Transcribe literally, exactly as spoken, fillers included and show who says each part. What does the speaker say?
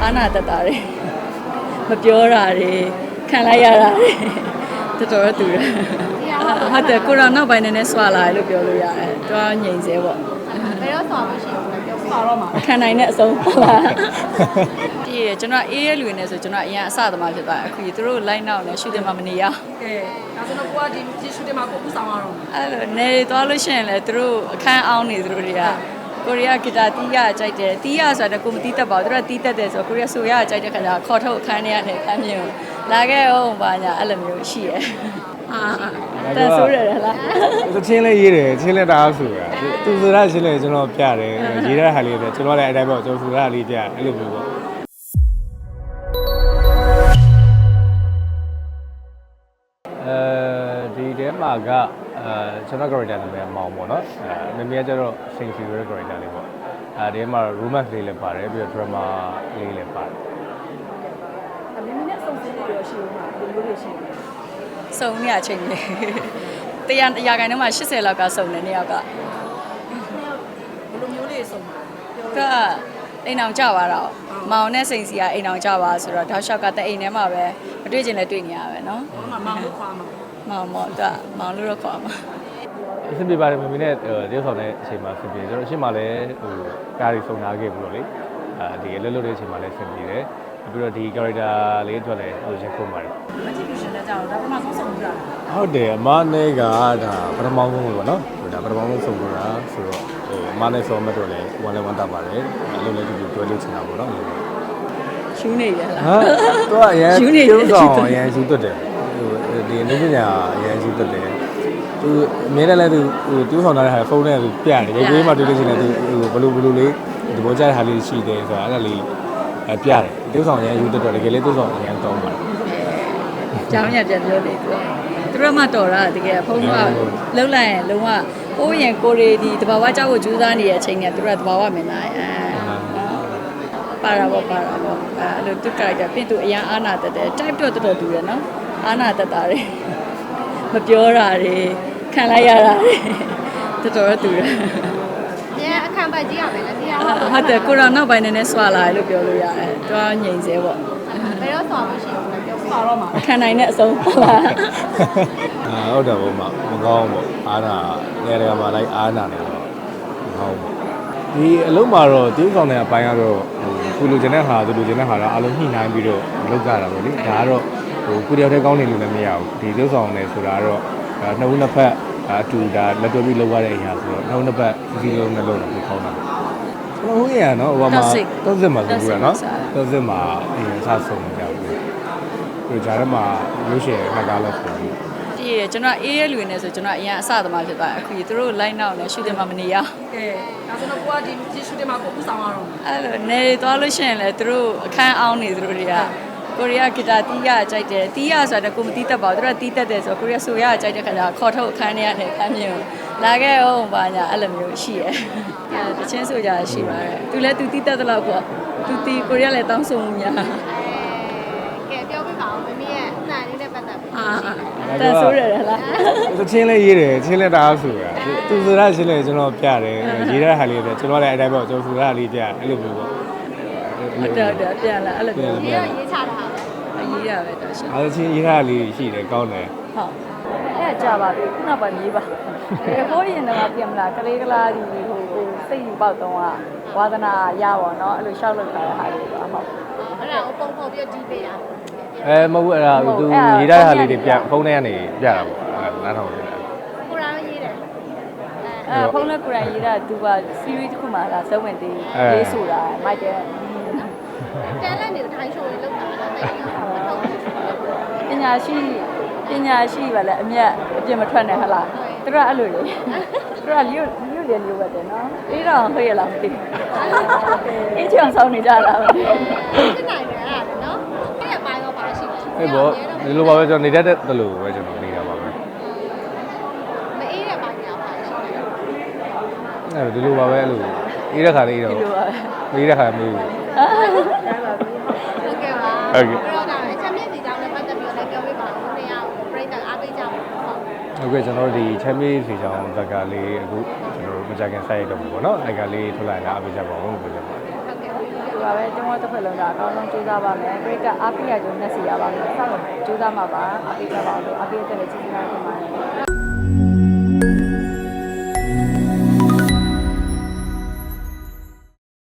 Speaker 1: အားနာတတ်တာတွေမပြောတာတွေခံလိုက်ရတာတွေတော်တော်တူတယ်ဟုတ်တယ်ကိုရောနောက်ပိုင်းနည်းနည်းဆွာလာတယ်လို့ပြောလို့ရတယ်တွားငြိမ်စေပေါ့
Speaker 2: ဘယ်တော့ဆွာမရှိဘူးလဲပြော
Speaker 1: ဆွာတော့မှာခံနိုင်တဲ့အဆုံးဟုတ်လားဒီကျွန်တော်အေးရဲလူနေဆိုကျွန်တော်အရင်အစသမားဖြစ်သွားအခုသူတို့ line နောက်နဲ့ရှူတင်မှာမနေရ
Speaker 3: ကဲဒါဆိုတော့ကိုကဒီဒီရှူတင်မှာကိုပူဆောင်ရတော့
Speaker 1: အဲ့လိုနေသွားလို့ရှိရင်လေသူတို့အခန်းအောင်နေသူတို့တွေကကိုရီးယားဂီတာတီးရကြိုက်တယ်တီးရဆိုတော့ကိုမတီးတတ်ပါဘူးသူတို့တီးတတ်တယ်ဆိုတော့ကိုရီးယားဆိုရကြိုက်တဲ့ခါကျခေါ်ထုတ်အခန်းထဲကနေအခန်းမြင်လာခဲ့အောင်ပါညာအဲ့လိုမျိုးရှိရဲအာတန်ဆိုးရတယ်လား
Speaker 4: သူချင်းလေးရေးတယ်ချင်းလေးတအားဆိုတာသူဆိုတာချင်းလေးကျွန်တော်ပြတယ်ရေးတဲ့ဟာလေးပဲကျွန်တော်လည်းအတိုင်းပေါ့ကျွန်တော်ဆိုတာလေးပြအဲ့လိုမျိုးပေါ့အဲဒီထဲမှာကအဲကျွန်တော် character နာမည်မောင်ပေါ့နော်အဲမမေကကျတော့စိန်စီရဲ့ character လေးပေါ့အဲဒီမှာ romance လေးလည်းပါတယ်ပြီးတော့ drama လေးလည်းပါတယ်
Speaker 3: အမေနဲ့စုံစင်းနေရရှိဦးမှာဒီလိုတွေရှိတယ်
Speaker 1: စုံနေရချိန်လေတရားအရာခိုင်နှုန်းမှာeightyလောက်ကစုံတယ်နှစ်ယောက်က
Speaker 3: ဘယ်လိုမျိုးလေးစုံမှာ
Speaker 1: ကအိမ်အောင်ကြပါတော့မောင်နဲ့စိန်စီကအိမ်အောင်ကြပါဆိုတော့တောက်လျှောက်ကတဲ့အိမ်ထဲမှာပဲမတွေ့ချင်လဲတွေ့နေရပဲเนาะ
Speaker 3: မောင်လို့ခေါ်မှာ
Speaker 1: မောင်မောင်တော့မောင်လို့တော့ခေါ်မှာ
Speaker 4: အဆင်ပြေပါတယ်မမီနဲ့တရုတ်ဆောင်တဲ့အချိန်မှာအဆင်ပြေကျွန်တော်အရှင်းမှာလည်းဟိုကားတွေစုံထားခဲ့ပြီးတော့လေအဲဒီအလွတ်လွတ်တဲ့အချိန်မှာလည်းအဆင်ပြေတယ်ပြီးတော့ဒီ character လေးအတွက်လည်းဟိုရင်ခုံပါတယ်
Speaker 3: မကြည့်လို့ရှင်လည်းကြောက်တော့ဒါပထမဆုံးစုံကြတာ
Speaker 4: ဟုတ်တယ်အမနဲ့ကဒါပထမဆုံးလို့ပေါ့နော်ဟိုဒါပထမဆုံးစုံကြတာဆိုတော့ဟိုအမနဲ့ဆောမတ်တော့လည်းဝမ်းလည်းဝမ်းတတ်ပါတယ်အလုပ်လည်းဒီလိုတွဲလို့ချင်တာပေါ့နော်
Speaker 1: ရှူးနေရလား
Speaker 4: ဟာသူကအရင်ပြုံးဆောင်အရင်ရှူးသွတ်တယ်ဟိုဒီအနည်းပညာအရင်ရှူးသွတ်တယ်သူအမြဲတမ်းလည်းသူဟိုတူးဆောင်ထားတဲ့ဟာဖုန်းနဲ့သူပြတယ်ရုပ်သေးမှတွေ့လို့ရှိရင်လည်းသူဟိုဘလို့ဘလို့လေးဒီဘောကြတဲ့ဟာလေးရှိတယ်ဆိုတာအဲ့ဒါလေးအပြတယ်တူးဆောင်အရင်ရှူးသွတ်တော့တကယ်လေးတူးဆောင်အရင်ကောင်းပါတယ်
Speaker 1: ကျောင်းရပြန်ပြောနေသူသူတို့မှတော်တာတကယ်ဖုန်းကလှုပ်လိုက်ရင်လုံးဝကိုယ့်ရင်ကိုရီဒီတဘာဝကြောက်ကိုကြိုးစားနေတဲ့အချိန်ကသူတို့ကတဘာဝမင်းသားအဲပါရာဘောပါရာဘောအဲ့လိုသူ character ပြင်သူအရင်အာနာတတ်တယ် type တော့တော်တော်တူတယ်နော်အာနာတတ်တာတွေမပြောတာတွေခံလိုက်ရတာတွေတော်တော်တူတယ်
Speaker 2: ညအခမ်းပတ်ကြီးရမယ်လားတရား
Speaker 1: ဟုတ်တယ်ကိုရောနောက်ပိုင်းနည်းနည်းဆွာလာတယ်လို့ပြောလို့ရတယ်တွားငြိမ်စေပေါ့
Speaker 2: ဘယ်တော့ဆွာမရှိဘူးလဲပြော
Speaker 3: ဆွာတော့မှာ
Speaker 1: ခံနိုင်တဲ့အဆုံးဟုတ်လား
Speaker 4: အာဟုတ်တယ်ဘုမမကောင်းဘူးအာနာနေရာမှာလိုက်အာနာနေတော့မကောင်းဘူးဒီအလုံးမှာတော့တူးဆောင်တဲ့အပိုင်းကတော့ဟိုကိုလူကျင်တဲ့ဟာသူလူကျင်တဲ့ဟာတော့အလုံးညှိနှိုင်းပြီးတော့လုပ်ကြတာပေါ့လေဒါကတော့ဟိုကိုတယောက်တည်းကောင်းနေလို့လည်းမရဘူးဒီတူးဆောင်နေဆိုတာတော့နှစ်ဦးနှစ်ဖက်အတူဒါလက်တွဲပြီးလုပ်ရတဲ့အရာဆိုတော့နှစ်ဦးနှစ်ဖက်စီစီလုံးနဲ့လုပ်တာကိုခေါင်းတာကျွန်တော်ဟိုရနော်ဟိုမှာသုံးစစ်မှာဆိုဘူးနော်သုံးစစ်မှာအရင်စဆုံးနေကြဘူးဒီကြားထဲမှာလို့ရှိရင်နှစ်ကားလောက်ဆိုပြီး
Speaker 1: ဒီကျွန်တော်အေးရဲလူနေဆိုကျွန်တော်အရင်အစသမားဖြစ်သွားအခုသူတို့ line နောက်နဲ့ရှူတင်မှာမနေရ
Speaker 3: ကဲဒါဆိုတော့ကိုကဒီဒီရှူတင်မှာကိုပူဆောင်ရတော့
Speaker 1: အဲ့လိုနေသွားလို့ရှိရင်လေသူတို့အခန်းအောင်နေသူတို့တွေကကိုရီးယားဂီတာတီးရကြိုက်တယ်တီးရဆိုတော့ကိုမတီးတတ်ပါဘူးသူတို့တီးတတ်တယ်ဆိုတော့ကိုရီးယားဆိုရကြိုက်တဲ့ခါကျခေါ်ထုတ်အခန်းထဲကနေအခန်းမြင်လာခဲ့အောင်ပါညာအဲ့လိုမျိုးရှိရဲအဲတချင်းဆိုကြရှိပါတယ်သူလည်းသူတီးတတ်တဲ့လောက်ပေါ့သူတီးကိုရီးယားလည်းတောင်းဆိုမှုများ
Speaker 2: ကဲပြောပြပါဦးမမီးရဲ့အတန်လေးနဲ့ပတ်သက်ပြီး
Speaker 1: အာတန်ဆိုးရတယ်လား
Speaker 4: သူချင်းလေးရေးတယ်ချင်းလေးတအားဆိုတာသူဆိုတာချင်းလေးကျွန်တော်ပြတယ်ရေးတဲ့ဟာလေးပဲကျွန်တော်လည်းအတိုင်းပေါ့ကျွန်တော်ဆိုတာလေးပြအဲ့လိုမျိုးပေါ့
Speaker 1: ဟုတ်တယ်ဟုတ်တယ်ပြန်လာအဲ့လိုမျိုး
Speaker 2: ရေးရေးချတာဟာ
Speaker 1: အရေးရပဲတော်ရှင်
Speaker 4: အဲ့ချင်းရေးထားလေးရှိတယ်ကောင်းတယ်
Speaker 1: ဟုတ်အဲ့ကြပါပြီခုနကပါရေးပါဒီဟိုးရင်တော့ပြင်မလားကလေးကလားဒီဟိုဟိုစိတ်ယူပေါက်တော့ဝါသနာရပါတော့အဲ့လိုရှောက်လောက်ထားတဲ့ဟာလေးပေါ့ဟုတ်
Speaker 2: အဲ့ဒါကိုပုံဖော်ပြီးတီးပေးရ
Speaker 4: အဲမဟုတ်ဘူးအဲ့ဒါသူရေးထားတဲ့ဟာလေးတွေပြန်ဖုန်းထဲကနေပြတာပေါ့အဲ့နားထောင်နေတာ
Speaker 2: ကိုရာရေးတယ်
Speaker 1: အဲဖုန်းနဲ့ကိုရာရေးတာသူက series တစ်ခုမှလာစုံဝင်သေးရေးဆိုတာမိုက်တယ်
Speaker 2: တန်လက်နေတိုင်းရှိုးလေးလောက်တာတော့တိတ်
Speaker 1: ပညာရှိပညာရှိပါလေအမြတ်အပြစ်မထွက်နဲ့ဟလားသူကအဲ့လိုလေသူကလျှို့လျှို့တယ်လို့ပဲတဲ့နော်အေးတော့ဟိရလားမသိဘူးအေးချောင်ဆောင်နေကြတာပဲ
Speaker 2: ဖြစ်နိုင်တယ်အဲ့ဒါနော်အဲ့ရပိုင်းတော့ပါရှိတယ်
Speaker 4: အေးပေါ့ဒီလိုပါပဲကျွန်တော်နေတတ်တဲ့လိုပဲကျွန်တော်နေတာပါပဲ
Speaker 2: မအေးတဲ့ပိုင်းကပါရှိတယ်
Speaker 4: အဲ့ဒီလိုပါပဲအဲ့လိုအေးတဲ့ခါလေးတော့
Speaker 1: ဒီလိုပါပဲ
Speaker 4: မေးတဲ့ခါမေးဘူး
Speaker 2: ဟုတ်ကဲ့ပါ
Speaker 4: ဟုတ်ကဲ့
Speaker 2: တော့ဒါအချက်မြင့်စီကြောင်းနဲ့ပတ်သက်ပြီးတော့လည်းပြောပြပါဦးခင်ဗျာပြိတ္တအားပေးကြပါဦး
Speaker 4: ဟုတ်ကဲ့ကျွန်တော်တို့ဒီ champion စီကြောင်းဇက်ကလေးအခုကျွန်တော်တို့မကြခင်ဆက်ရတော့ဘူးပေါ့နော်အဲ့ကလေးထွက်လာတာအားပေးကြပါဦးလို့ပြောကြပါ
Speaker 2: ဟုတ်ကဲ့
Speaker 1: ပါပဲကျုံတော့တစ်ဖက်လုံးကအကောင်းဆုံးကြိုးစားပါမယ်ပရိသတ်အားပေးရကြုံနဲ့စီရပါမယ်ဆက်လို့ကြိုးစားမှာပါအားပေးကြပါအောင်လို့အားပေးတဲ့လည်းကျေးဇူးများတင်ပါတယ်